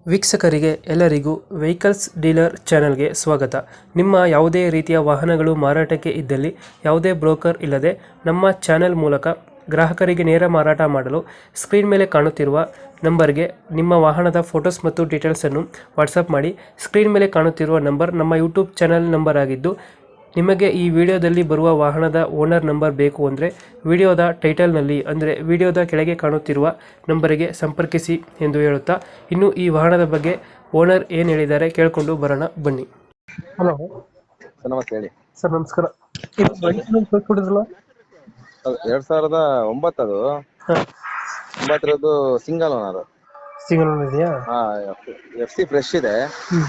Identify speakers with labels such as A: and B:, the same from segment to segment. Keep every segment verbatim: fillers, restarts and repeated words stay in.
A: ವೀಕ್ಷಕರಿಗೆ ಎಲ್ಲರಿಗೂ vehicles dealer ಚಾನೆಲ್ಗೆ ಸ್ವಾಗತ. ನಿಮ್ಮ ಯಾವುದೇ ರೀತಿಯ ವಾಹನಗಳು ಮಾರಾಟಕ್ಕೆ ಇದ್ದಲ್ಲಿ ಯಾವುದೇ ಬ್ರೋಕರ್ ಇಲ್ಲದೆ ನಮ್ಮ ಚಾನೆಲ್ ಮೂಲಕ ಗ್ರಾಹಕರಿಗೆ ನೇರ ಮಾರಾಟ ಮಾಡಲು ಸ್ಕ್ರೀನ್ ಮೇಲೆ ಕಾಣುತ್ತಿರುವ ನಂಬರ್ಗೆ ನಿಮ್ಮ ವಾಹನದ ಫೋಟೋಸ್ ಮತ್ತು ಡೀಟೇಲ್ಸನ್ನು ವಾಟ್ಸಪ್ ಮಾಡಿ. ಸ್ಕ್ರೀನ್ ಮೇಲೆ ಕಾಣುತ್ತಿರುವ ನಂಬರ್ ನಮ್ಮ ಯೂಟ್ಯೂಬ್ ಚಾನೆಲ್ ನಂಬರ್ ಆಗಿದ್ದು, ನಿಮಗೆ ಈ ವಿಡಿಯೋದಲ್ಲಿ ಬರುವ ವಾಹನದ ಓನರ್ ನಂಬರ್ ಬೇಕು ಅಂದರೆ ವಿಡಿಯೋದ ಟೈಟಲ್ನಲ್ಲಿ ಅಂದರೆ ವಿಡಿಯೋದ ಕೆಳಗೆ ಕಾಣುತ್ತಿರುವ ನಂಬರಿಗೆ ಸಂಪರ್ಕಿಸಿ ಎಂದು ಹೇಳುತ್ತಾ, ಇನ್ನು ಈ ವಾಹನದ ಬಗ್ಗೆ ಓನರ್ ಏನು ಹೇಳಿದ್ದಾರೆ ಕೇಳಿಕೊಂಡು ಬರೋಣ ಬನ್ನಿ. ಹಲೋ
B: ಸರ್, ನಮಸ್ತೆ ಹೇಳಿ.
A: ಸರ್ ನಮಸ್ಕಾರ. ಇದು ಗಾಡಿ ಕಳಿಸ್ಕೊಟ್ಟಿದ್ರಲ್ಲ,
B: ಅದು ಎರಡ್ ಸಾವಿರದ ಒಂಬತ್ತದು ಒಂಬತ್ತರದ್ದು ಸಿಂಗಲ್ ಓನರ್.
A: ಸಿಂಗಲ್ ಓನರ್ ಇದೆಯಾ?
B: ಹಾ, ಎಫ್ ಸಿ ಫ್ರೆಶ್ ಇದೆ.
A: ಹ್ಮ್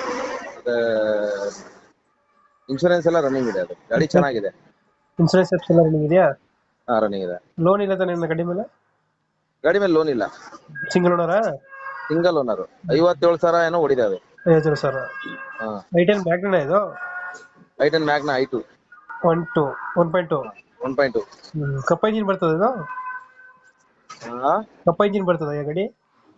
B: ಇನ್ಶೂರೆನ್ಸ್ ಎಲ್ಲ ರನ್ನಿಂಗ್ ಇದೆ. ಅದು ಗಾಡಿ ಚೆನ್ನಾಗಿದೆ.
A: ಇನ್ಸೂರೆನ್ಸ್ ಎಲ್ಲ ರನ್ನಿಂಗ್ ಇದೆಯಾ?
B: ಹಾ, ರನ್ನಿಂಗ್ ಇದೆ.
A: ಲೋನ್ ಇಲ್ಲ ತಾನೆ ಗಾಡಿ ಮೇಲೆ?
B: ಗಾಡಿ ಮೇಲೆ ಲೋನ್ ಇಲ್ಲ.
A: ಸಿಂಗಲ್ ಓನರಾ?
B: Single owner. ಐವತ್ತೇಳು ಸಾವಿರ ಏನೋ ಓಡಿದೆ ಅದು.
A: ಐವತ್ತೇಳು ಸಾವಿರ.
B: ಹಾ,
A: ಐಟೆನ್ ಮ್ಯಾಗ್ನ ಇದು?
B: I ten Magna i two
A: one two one point two
B: one point two
A: Kappa engine ಬರ್ತದೆ ಇದು?
B: ಹಾ
A: ಕಪ್ಪ ಇಂಜಿನ್ ಬರ್ತದೆ ಈ ಗಾಡಿ?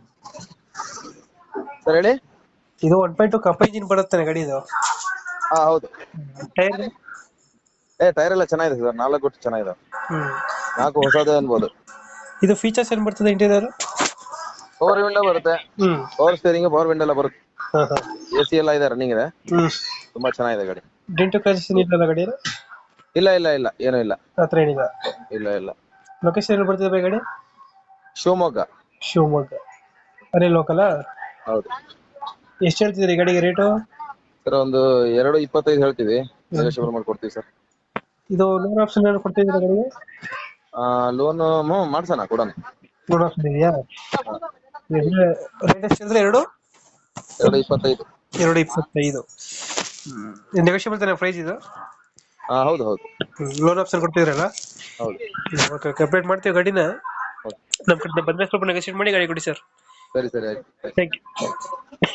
B: ಸರ್ ಹೇಳಿ.
A: ಇದು one point two Kappa engine ಬರುತ್ತಾನೆ ಗಾಡಿ ಇದು?
B: ಹಾ, ಹೌದು.
A: ಟೈರ್?
B: ಏ ಟೈರ್ ಎಲ್ಲ ಚೆನ್ನಾಗಿದೆ ಸರ್. ನಾಲ್ಕು ಗುಟ್ಟು ಚೆನ್ನಾಗಿದೆ.
A: ಹ್ಮ್
B: ನಾಲ್ಕು ಹೊಸದೇ ಅನ್ಬೋದು.
A: ಇದು ಫೀಚರ್ಸ್ ಏನ್ ಬರ್ತದೆ ಇಂಟೀರಿಯರ್?
B: ಪವರ್ ವಿಂಡೋ ಬರುತ್ತೆ,
A: hmm
B: power steering, power window ಎಲ್ಲ ಬರುತ್ತೆ.
A: ಹಾ ಹಾ
B: ಎ ಸಿ ಎಲ್ಲ ಇದೆ, ರನ್ನಿಂಗ್ ಇದೆ.
A: ಹ್ಮ್
B: ತುಂಬಾ ಚೆನ್ನಾಗಿದೆ ಗಾಡಿ.
A: ಡೆಂಟು ಕ್ರಾಚಸ್ ಏನಿಲ್ಲ ಗಾಡಿ?
B: ಇಲ್ಲ ಇಲ್ಲ ಇಲ್ಲ ಏನೂ ಇಲ್ಲ.
A: ಹತ್ರ ಏನಿಲ್ಲ?
B: ಇಲ್ಲ ಇಲ್ಲ.
A: ಲೊಕೇಶನ್ ಎಲ್ಲಿ ಬರ್ತದೆ ಬೈ ಗಾಡಿ?
B: ಶಿವಮೊಗ್ಗ.
A: ಶಿವಮೊಗ್ಗ. ಅದೇ ಲೋಕಲ್?
B: ಹೌದು.
A: ಎಷ್ಟು ಹೇಳ್ತಿದ್ರಿ ಗಾಡಿಗೆ ರೇಟು?
B: ಸರ್, ಒಂದು ಎರಡು ಇಪ್ಪತ್ತೈದು ಹೇಳ್ತೀವಿ. ನೆಗೋಷಿಯಬಲ್ ಮಾಡ್ಕೊಡ್ತೀವಿ ಸರ್.
A: ಇದು ಲೋನ್ ಆಪ್ಷನ್ ಏನು ಕೊಡ್ತಿದ್ದೀರಾ ಗಾಡಿಗೆ?
B: ಲೋನ್ ಮಾಡ್ಸೋಣ, ಕೊಡೋಣ.
A: ಲೋನ್ ಆಪ್ಷನ್ ಇದೆಯಾ? ರೇಟ್ ಎಷ್ಟು ಹೇಳಿದ್ರೆ? ಎರಡು
B: ಎರಡು ಇಪ್ಪತ್ತೈದು.
A: ಎರಡು ಇಪ್ಪತ್ತೈದು. ನೆಗೋಷಿಯಬಲ್ ತಾನೆ ಪ್ರೈಸ್ ಇದು?
B: ಹಾ, ಹೌದು ಹೌದು
A: ಲೋನ್ ಆಪ್ಷನ್ ಕೊಡ್ತಿದ್ರಲ್ಲ?
B: ಹೌದು.
A: ಓಕೆ, ಕಂಪ್ಲೀಟ್ ಮಾಡ್ತೀವಿ ಗಾಡಿನ.
B: ಹೌದು.
A: ನಮ್ಮ ಕಡೆ ಬಂದ್ರೆ ಸ್ವಲ್ಪ ನೆಗೋಷಿಯೇಟ್ ಮಾಡಿ ಗಾಡಿ ಕೊಡಿ ಸರ್.
B: ಸರಿ ಸರಿ ಆಯ್ತು.
A: Thank you.